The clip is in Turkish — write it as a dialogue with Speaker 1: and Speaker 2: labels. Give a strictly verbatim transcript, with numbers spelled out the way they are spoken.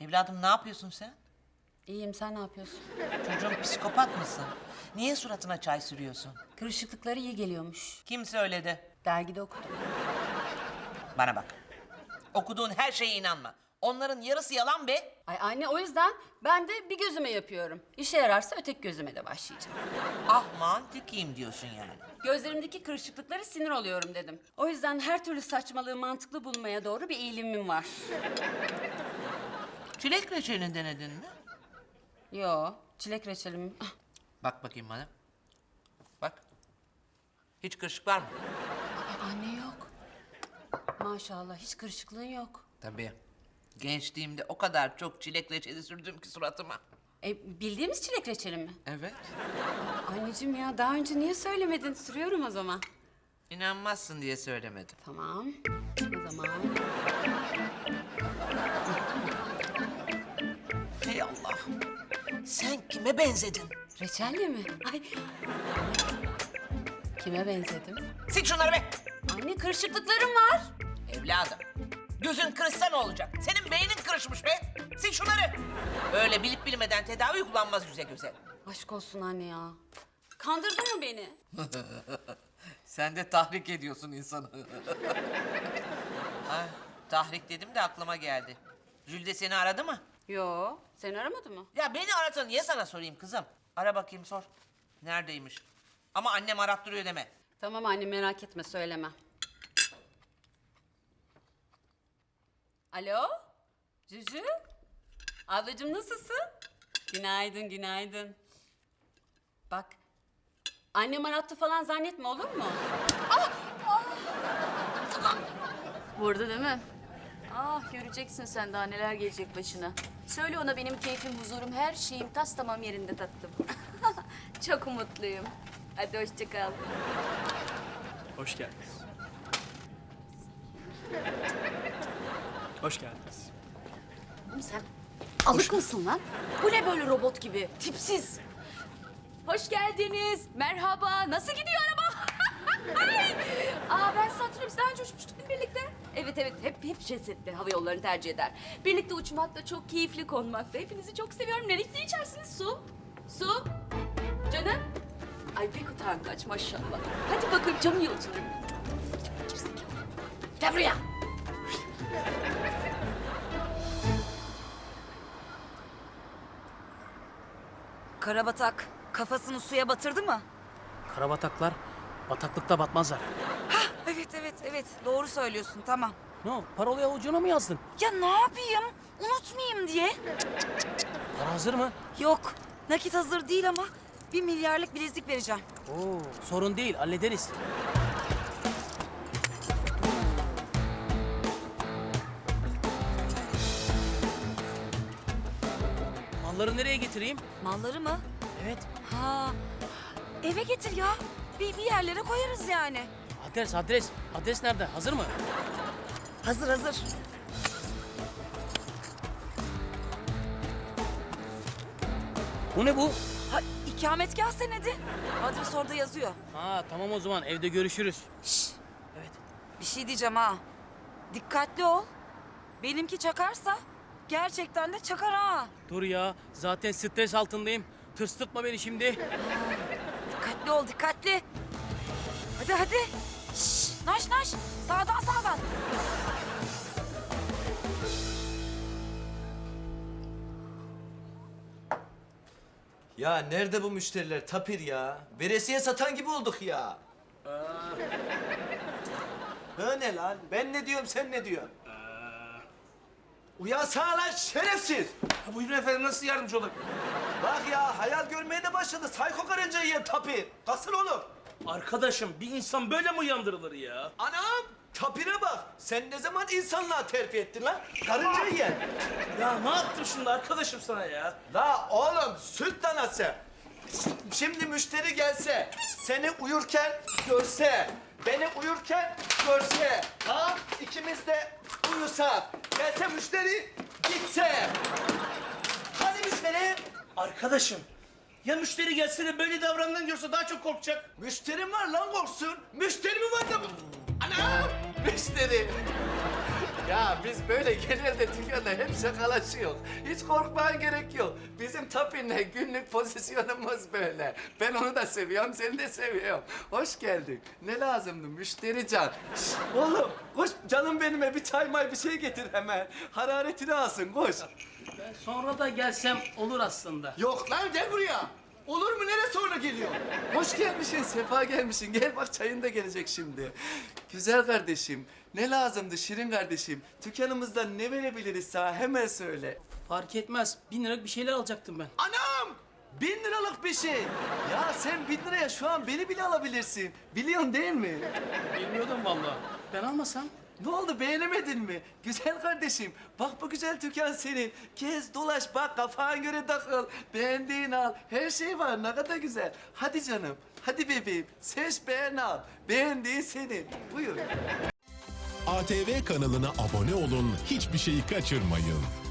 Speaker 1: Evladım ne yapıyorsun sen?
Speaker 2: İyiyim, sen ne yapıyorsun?
Speaker 1: Çocuğum psikopat mısın? Niye suratına çay sürüyorsun?
Speaker 2: Kırışıklıkları iyi geliyormuş.
Speaker 1: Kim söyledi?
Speaker 2: Dergide okudum.
Speaker 1: Bana bak. Okuduğun her şeye inanma. Onların yarısı yalan be.
Speaker 2: Ay anne, o yüzden ben de bir gözüme yapıyorum. İşe yararsa öteki gözüme de başlayacağım.
Speaker 1: Ah mantıkiyim diyorsun yani.
Speaker 2: Gözlerimdeki kırışıklıklara sinir oluyorum dedim. O yüzden her türlü saçmalığı mantıklı bulmaya doğru bir eğilimim var.
Speaker 1: Çilek reçelini denedin mi?
Speaker 2: Yo, çilek reçelim. Ah,
Speaker 1: Bak bakayım bana. Bak. Hiç kırışık var mı?
Speaker 2: anne yok. Maşallah hiç kırışıklığın yok.
Speaker 1: Tabii. Gençliğimde o kadar çok çilek reçeli sürdüm ki suratıma.
Speaker 2: E, bildiğimiz çilek reçeli mi?
Speaker 1: Evet.
Speaker 2: Anneciğim ya, daha önce niye söylemedin? Sürüyorum o zaman.
Speaker 1: İnanmazsın diye söylemedim.
Speaker 2: Tamam. O zaman.
Speaker 1: Hey Allah. Sen kime benzedin?
Speaker 2: Reçelle mi? Ay. Kime benzedim?
Speaker 1: Sil şunları be.
Speaker 2: Anne, kırışıklıklarım var.
Speaker 1: Evladım. Gözün kırışsa ne olacak? Senin beynin kırışmış be. Sil şunları. Öyle bilip bilmeden tedavi uygulanmaz yüze göze.
Speaker 2: Aşk olsun anne ya. Kandırdın mı beni?
Speaker 1: Sen de tahrik ediyorsun insanı. Ay, tahrik dedim de aklıma geldi. Jülde seni aradı mı?
Speaker 2: Yo, seni aramadı mı?
Speaker 1: Ya beni arasa niye sana sorayım kızım? Ara bakayım sor. Neredeymiş? Ama annem arattırıyor deme.
Speaker 2: Tamam anne, merak etme, söylemem. Alo? Cücü? Ablacığım nasılsın? Günaydın, günaydın. Bak, annem arattı falan zannetme, olur mu? Ah! Ah! Tamam. Burada değil mi?
Speaker 3: Ah, göreceksin sen daha neler gelecek başına. Söyle ona benim keyfim, huzurum, her şeyim tas tamam yerinde tatlım. Çok mutluyum. Hadi hoşça kal.
Speaker 4: Hoş geldiniz. Hoş geldiniz.
Speaker 3: Oğlum sen alık mısın lan? Bu ne böyle robot gibi? Tipsiz. Hoş geldiniz. Merhaba. Nasıl gidiyor araba? Ay! Aa, ben sizi hatırlıyorum. Biz daha önce uçmuştuk değil mi birlikte? Evet evet. Hep hep jet hava yollarını tercih eder. Birlikte uçmak da çok keyifli, konmak da. Hepinizi çok seviyorum. Ne ne içersiniz? Su. Su. Canım. Ay pek utangaç maşallah. Hadi bakayım camı yolcularım. Gel buraya.
Speaker 5: Karabatak kafasını suya batırdı mı?
Speaker 4: Karabataklar bataklıkta batmazlar.
Speaker 5: Hah, evet evet evet doğru söylüyorsun, tamam.
Speaker 4: Ne o? Parolayı avucuna mı yazdın?
Speaker 5: Ya ne yapayım? Unutmayayım diye.
Speaker 4: Para hazır mı?
Speaker 5: Yok, nakit hazır değil ama bir milyarlık bilezik vereceğim.
Speaker 4: Oo, sorun değil, hallederiz. Malları nereye getireyim?
Speaker 5: Malları mı?
Speaker 4: Evet,
Speaker 5: Ha, eve getir ya. Bir, bir yerlere koyarız yani.
Speaker 4: adres, adres. Adres nerede? Hazır mı?
Speaker 5: Hazır hazır.
Speaker 4: Bu ne bu?
Speaker 5: Ha, ikametgah senedi. Adres orada yazıyor.
Speaker 4: Ha, tamam o zaman evde görüşürüz.
Speaker 5: Şşş,
Speaker 4: Evet.
Speaker 5: bir şey diyeceğim ha. Dikkatli ol. Benimki çakarsa gerçekten de çakar ha.
Speaker 4: Dur ya, zaten stres altındayım. Tırstırtma beni şimdi.
Speaker 5: Dikkatli ol, dikkatli. Hadi hadi. Şşş, naş naş. Sağdan sağdan.
Speaker 6: Ya nerede bu müşteriler Tapir ya? Veresiye satan gibi olduk ya. Ha ne lan? Ben ne diyorum sen ne diyorsun? Uyansana lan şerefsiz!
Speaker 7: Ha, buyurun efendim, nasıl yardımcı olabilirim?
Speaker 6: Bak ya hayal görmeye de başladı. Sayko karınca yiyen Tapir. Kalsın oğlum.
Speaker 7: Arkadaşım, bir insan böyle mi uyandırılır ya?
Speaker 6: Anam! Tapir'e bak. Sen ne zaman insanlığa terfi ettin lan? Karınca yiyen.
Speaker 7: Ya ne yaptım şimdi arkadaşım sana ya?
Speaker 6: La oğlum süt danası. Şimdi müşteri gelse, seni uyurken görse, beni uyurken görse, ha ikimiz de uyusak, gelse müşteri gitse. Hani müşteri?
Speaker 7: Arkadaşım, ya müşteri gelse de böyle davranından görse daha çok korkacak.
Speaker 6: Müşterim var lan korksun. Müşteri mi var da? Anam! Müşteri. Ya biz böyle genelde dükkanda hep şakalaşıyor. Hiç korkmaya gerek yok. Bizim Tapin'le günlük pozisyonumuz böyle. Ben onu da seviyorum, seni de seviyorum. Hoş geldin. Ne lazımdı? Müşteri can. Şş, oğlum koş canım benime bir çay may bir şey getir hemen. Hararetini alsın koş.
Speaker 4: Ben sonra da gelsem olur aslında.
Speaker 6: Yok lan gel buraya. Olur mu? Nereye sonra geliyor? Hoş gelmişsin, sefa gelmişsin. Gel bak çayın da gelecek şimdi. Güzel kardeşim, ne lazımdı Şirin kardeşim? Dükkanımızdan ne verebiliriz sana? Hemen söyle.
Speaker 4: Fark etmez. Bin liralık bir şeyler alacaktım ben.
Speaker 6: Anam! Bin liralık bir şey. Ya sen bin liraya şu an beni bile alabilirsin. Biliyorsun değil mi?
Speaker 4: Bilmiyordum vallahi. Ben almasam?
Speaker 6: Ne oldu beğenemedin mi? Güzel kardeşim. Bak bu güzel dükkan senin. Gez dolaş bak kafana göre takıl. Beğendiğin al. Her şey var ne kadar güzel. Hadi canım. Hadi bebeğim. Seç beğen al. Beğendiğin senin. Buyur.
Speaker 8: A T V kanalına abone olun, hiçbir şeyi kaçırmayın.